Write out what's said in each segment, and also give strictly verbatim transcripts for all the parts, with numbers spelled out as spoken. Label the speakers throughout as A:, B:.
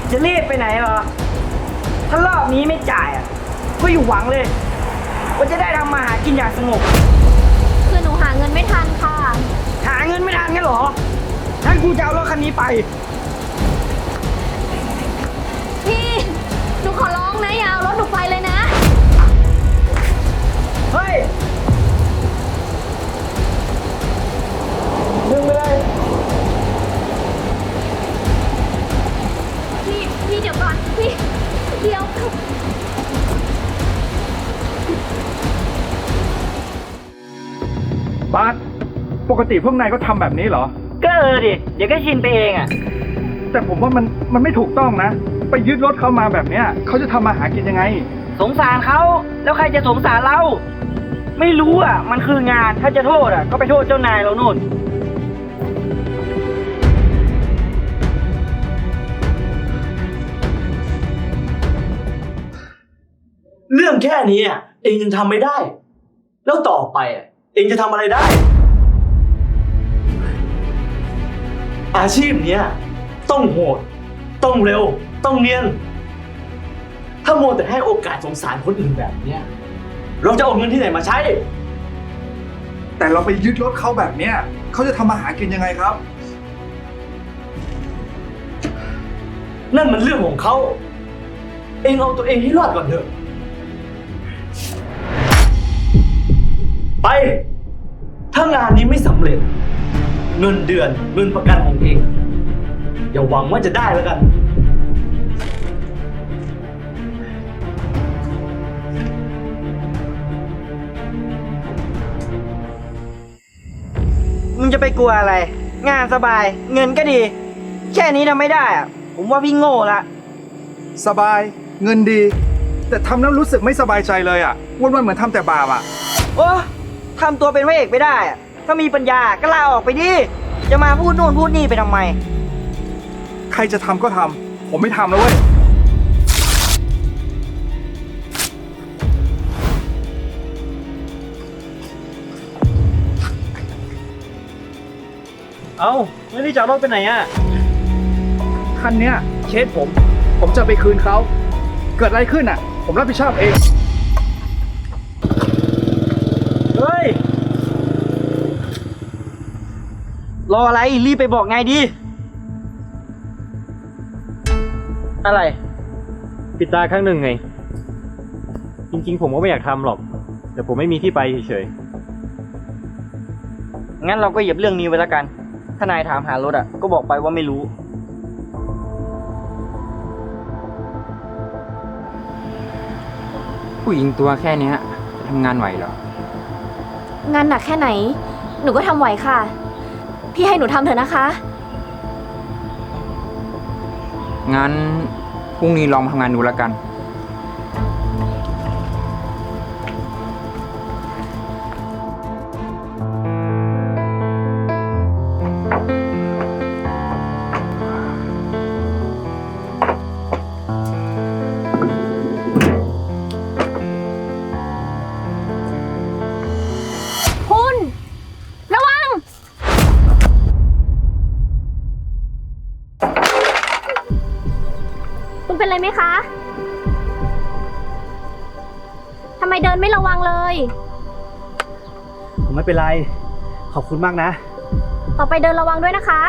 A: จะรีบไปไหนเหรอถ้ารอบนี้ไม่จ่ายอ่ะก็อยู่หวังเลยว่าจะได้ทำมาหากินอย่างสงบ
B: คือหนูหาเงินไม่ทันค่ะ
A: หาเงินไม่ทันงั้นเหรองั้นกูจะเอารถคันนี้ไป
B: พี่หนูขอร้องนะอย่าเอารถหนูไปเลยนะ
A: เฮ้ยดึงไปเลย
B: พี่พี่เดี๋ยวก่อนพี่เดี๋ยว
C: บาสปกติพวกนายก็ทำแบบนี้เหรอ
A: ก็เออดิเดี๋ยวก็ชินไปเองอ่ะ
C: แต่ผมว่ามันมันไม่ถูกต้องนะไปยึดรถเขามาแบบเนี้ยเขาจะทำมาหากินยังไง
A: สงสารเขาแล้วใครจะสงสารเราไม่รู้อ่ะมันคืองานถ้าจะโทษอ่ะก็ไปโทษเจ้านายเราโน่น
D: เรื่องแค่นี้อ่ะเองยังทำไม่ได้แล้วต่อไปอ่ะเองจะทำอะไรได้อาชีพเนี้ยต้องโหดต้องเร็วต้องเนียนถ้าโมวแต่ให้โอกาสสงสารคนอื่นแบบเนี้ยเราจะเอาเงินที่ไหนมาใช้
C: แต่เราไปยึดรถเขาแบบเนี้ยเขาจะทำมาหากินยังไงครับ
D: นั่นมันเรื่องของเขาเองเอาตัวเองให้รอดก่อนเถอะไปถ้างานนี้ไม่สำเร็จเงินเดือนเงินประกันของเองอย่าหวังว่าจะได้แล้วกัน
A: มึงจะไปกลัวอะไรงานสบายเงินก็ดีแค่นี้ทำไม่ได้อ่ะผมว่าพี่โง่ละ
C: สบายเงินดีแต่ทำแล้วรู้สึกไม่สบายใจเลยอ่ะวันวันเหมือนทำแต่บาปอ่ะ
A: โอ้ทำตัวเป็นพระเอกไม่ได้อ่ะถ้ามีปัญญาก็ลาออกไปดิจะมาพูดโน่นพูดนี่ไปทำไม
C: ใครจะทำก็ทำผมไม่ทำแล้วเว้ย
D: เอ้าไม่ได้จะรถไปไหนอ่ะ
C: คันเนี้ยเคสผมผมจะไปคืนเขาเกิดอะไรขึ้นอ่ะผมรับผิดชอบเอง
A: เฮ้ยรออะไรรีบไปบอกไงดิอะไร
E: ปิดตาครั้งหนึ่งไงจริงๆผมก็ไม่อยากทำหรอกแต่ผมไม่มีที่ไปเฉย
A: ๆงั้นเราก็เหยียบเรื่องนี้ไว้แล้วกันถ้านายถามหารถอ่ะก็บอกไปว่าไม่รู้
F: ผู้หญิงตัวแค่นี้จะทำงานไหวเหรอ
B: งานหนักแค่ไหนหนูก็ทำไหวค่ะพี่ให้หนูทำเถอะนะคะ
F: งั้นพรุ่งนี้ลองทำงานดูแล้วกัน
B: คุณระวังคุณเป็นไรไหมคะทำไมเดินไม่ระวังเลย
D: ผมไม่เป็นไรขอบคุณมากนะ
B: ต่อไปเดินระวังด้วยนะคะ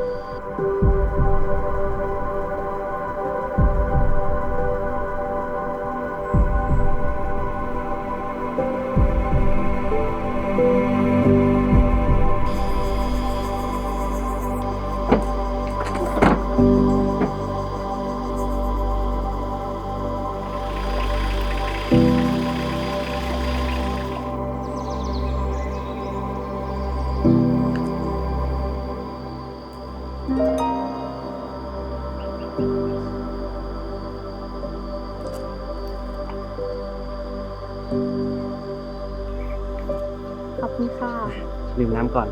B: ขอบคุณค่ะ
E: ดื่มน้ำก่อน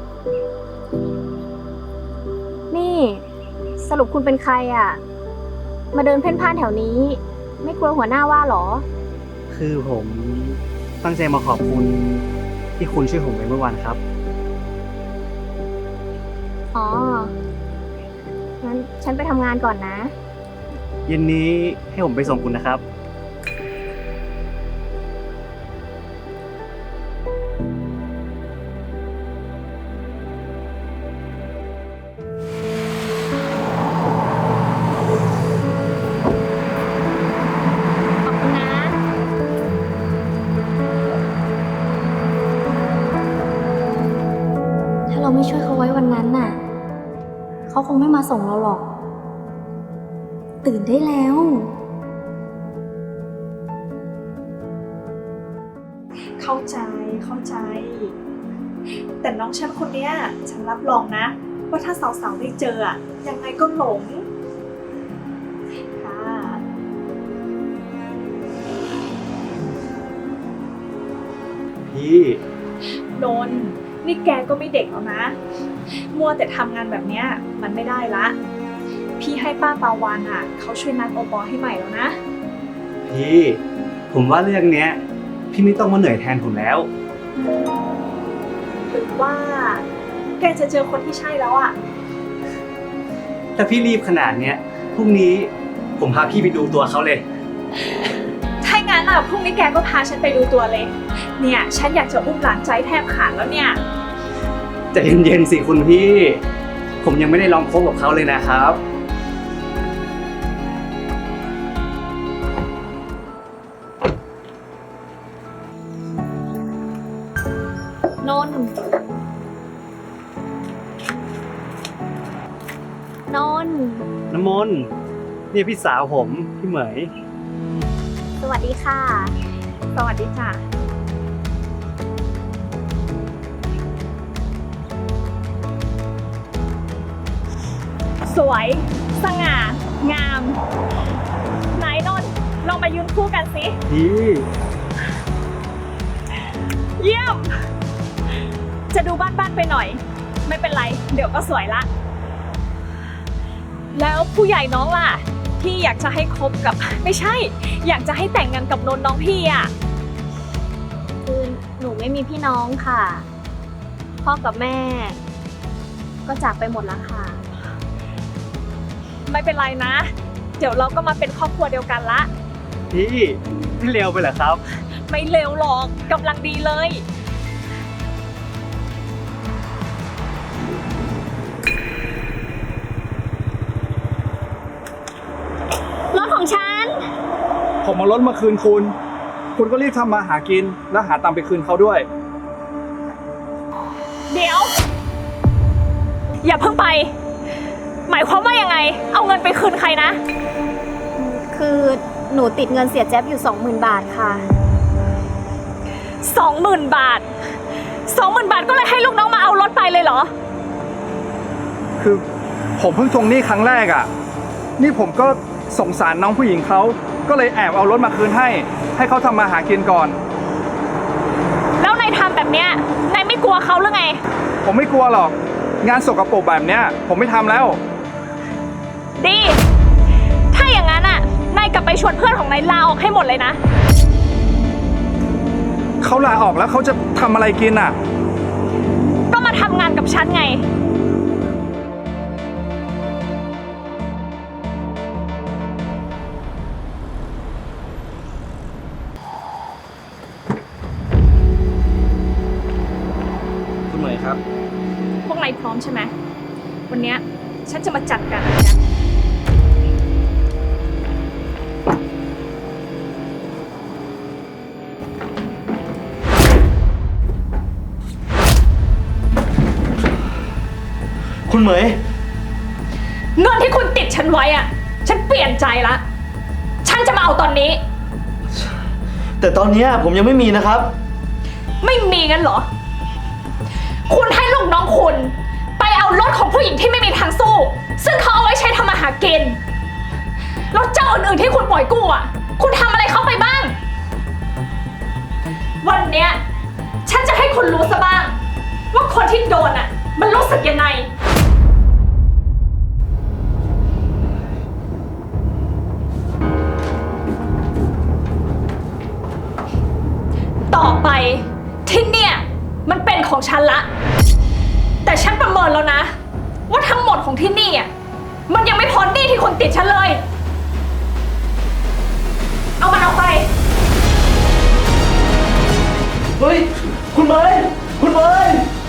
B: นี่สรุปคุณเป็นใครอ่ะมาเดินเพ่นพ่านแถวนี้ไม่กลัวหัวหน้าว่าหรอ
E: คือผมตั้งใจมาขอบคุณที่คุณช่วยผมไปเมื่อวานครับ
B: อ๋องั้นฉันไปทำงานก่อนนะ
D: เย็นนี้ให้ผมไปส่งคุณนะครับ
B: ขอบคุณนะ ถ้าเราไม่ช่วยเขาไว้วันนั้นน่ะ เขาคงไม่มาส่งเราหรอก ตื่นได้แล้ว
G: เข้าใจเข้าใจ แต่น้องฉันคนเนี้ยฉันรับรองนะ ว่าถ้าสาวๆได้เจออะยังไงก็หลงค่ะ
D: พี่
G: นนท์นี่แกก็ไม่เด็กแล้วนะ มัวแต่ทำงานแบบเนี้ยมันไม่ได้ละ พี่ให้ป้าปาวานอ่ะเขาช่วยนัดโอปอให้ใหม่แล้วนะ
D: พี่ ผมว่าเรื่องเนี้ย พี่ไม่ต้องมาเหนื่อยแทนผมแล้ว
G: หรือว่าแกจะเจอคนที่ใช่แล้วอ่ะ
D: ถ้าพี่รีบขนาดเนี้ยพรุ่งนี้ผมพาพี่ไปดูตัวเขาเลย
G: ถ้างั้นอ่ะพรุ่งนี้แกก็พาฉันไปดูตัวเลย เนี่ยฉันอยากจะอุ้มหลานใจแทบขาดแล้วเนี่ย
D: ใจเย็นๆสิคุณพี่ ผมยังไม่ได้ลองคบกับเขาเลยนะครับ
B: นนท์นนท์
D: น้ำมนต์นี่พี่สาวผม พี่เหมย
B: สวัสดีค่ะ
G: สวัสดีจ้ะ สวย สง่า งาม ไหนนนท์ลองมายืนคู่กันสิ
D: พี่
G: เยี่ยม จะดูบ้านๆไปหน่อย ไม่เป็นไร เดี๋ยวก็สวยละ แล้วผู้ใหญ่น้องล่ะ ที่อยากจะให้คบกับ ไม่ใช่ อยากจะให้แต่งงานกับนนท์น้องพี่อ่ะ
B: คือหนูไม่มีพี่น้องค่ะ พ่อกับแม่ ก็จากไปหมดแล้วค่ะ
G: ไม่เป็นไรนะ เดี๋ยวเราก็มาเป็นครอบครัวเดียวกันละ
D: พี่พี่เร็วไปเหรอครับ
G: ไม่เร็วหรอกกำลังดีเลย
B: รถของฉัน
C: ผมเอารถมาคืนคุณ คุณก็รีบทำมาหากิน แล้วหาตังค์ไปคืนเขาด้วย
G: เดี๋ยว อย่าเพิ่งไป หมายความว่ายังไง เอาเงินไปคืนใครนะ
B: คือหนูติดเงินเสียแจ๊บอยู่สองหมื่นบาทค่ะ
G: สองหมื่นบาท สองหมื่นบาทก็เลยให้ลูกน้องมาเอารถไปเลยเหรอ
C: คือผมเพิ่งทวงหนี้ครั้งแรกอ่ะ นี่ผมก็สงสารน้องผู้หญิงเขา ก็เลยแอบเอารถมาคืนให้ ให้เขาทำมาหากินก่อน
G: แล้วนายทำแบบเนี้ยนายไม่กลัวเขาหรือไง
C: ผมไม่กลัวหรอก งานสกปรกแบบเนี้ย ผมไม่ทำแล้ว
G: ดี ถ้าอย่างนั้นอ่ะ นายกลับไปชวนเพื่อนของนายลาออกให้หมดเลยนะ
C: เขาลาออกแล้วเขาจะทำอะไรกินอ่ะ
G: ก็มาทำงานกับฉันไง
D: คุณเหมยครับ
G: พวกนายพร้อมใช่ไหม วันเนี้ยฉันจะมาจัดการอะไรกัน
D: คุณเหมย
G: เงินที่คุณติดฉันไว้อ่ะ ฉันเปลี่ยนใจละ ฉันจะมาเอาตอนนี้
D: แต่ตอนเนี้ยผมยังไม่มีนะครับ
G: ไม่มีงั้นเหรอ คุณให้ลูกน้องคุณไปเอารถของผู้หญิงที่ไม่มีทางสู้ ซึ่งเขาเอาไว้ใช้ทำมาหากินรถเจ้าอื่นๆที่คุณปล่อยกู้อ่ะ คุณทำอะไรเขาไปบ้าง วันเนี้ยฉันจะให้คุณรู้ซะบ้าง ว่าคนที่โดนอ่ะ มันรู้สึกยังไง ต่อไปที่เนี่ยมันเป็นของฉันละ แต่ฉันประเมินแล้วนะ ว่าทั้งหมดของที่นี่อ่ะมันยังไม่พ้นหนี้ที่คุณติดฉันเลยเอามันออกไป
D: เฮ้ย คุณเมย์คุณเมย์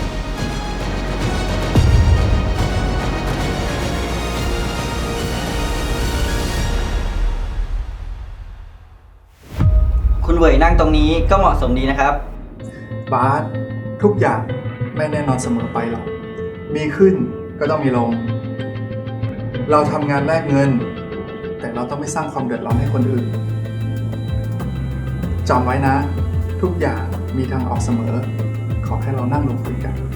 H: คุณเหวยนั่งตรงนี้ก็เหมาะสมดีนะครับ
C: บาสทุกอย่างไม่แน่นอนเสมอไปหรอก มีขึ้นก็ต้องมีลง เราทำงานแลกเงิน แต่เราต้องไม่สร้างความเดือดร้อนให้คนอื่นจำไว้นะ ทุกอย่างมีทางออกเสมอ ขอให้เรานั่งลงคุยกัน